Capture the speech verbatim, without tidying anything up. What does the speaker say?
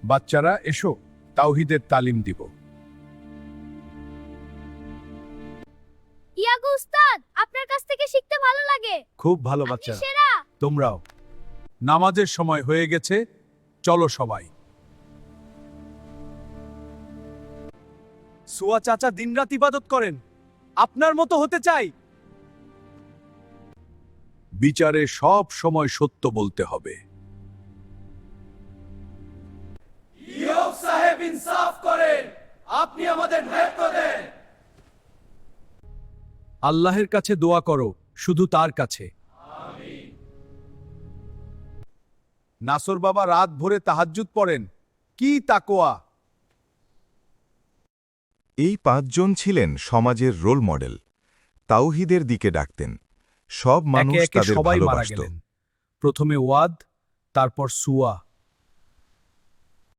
বাচ্চারা এসো, তাওহীদের তালিম দিব। ইয়াগো উস্তাদ, আপনার কাছ থেকে শিখতে ভালো লাগে। খুব ভালো আপনি বাচ্চারা, সেরা। তোমরাও। নামাজের সময় হয়ে গেছে, চলো সবাই। সুয়া চাচা দিনরাত ইবাদত করেন, আপনার মতো হতে চাই। বিচারে সব সময় সত্য বলতে হবে। ইয়ুব সাহেব ইনসাফ করেন, আপনি আমাদের ন্যায় দেন। আল্লাহের কাছে দোয়া করো, শুধু তার কাছে। নাসর বাবা রাত ভরে তাহাজ্জুদ পড়েন, কি তাকওয়া! এই পাঁচজন ছিলেন সমাজের রোল মডেল। তাওহীদের দিকে ডাকতেন, সব মানুষ একে একে তাদের সবাই মারা ভালোবাসত। গেলেন। প্রথমে ওয়াদ, তারপর সুয়া,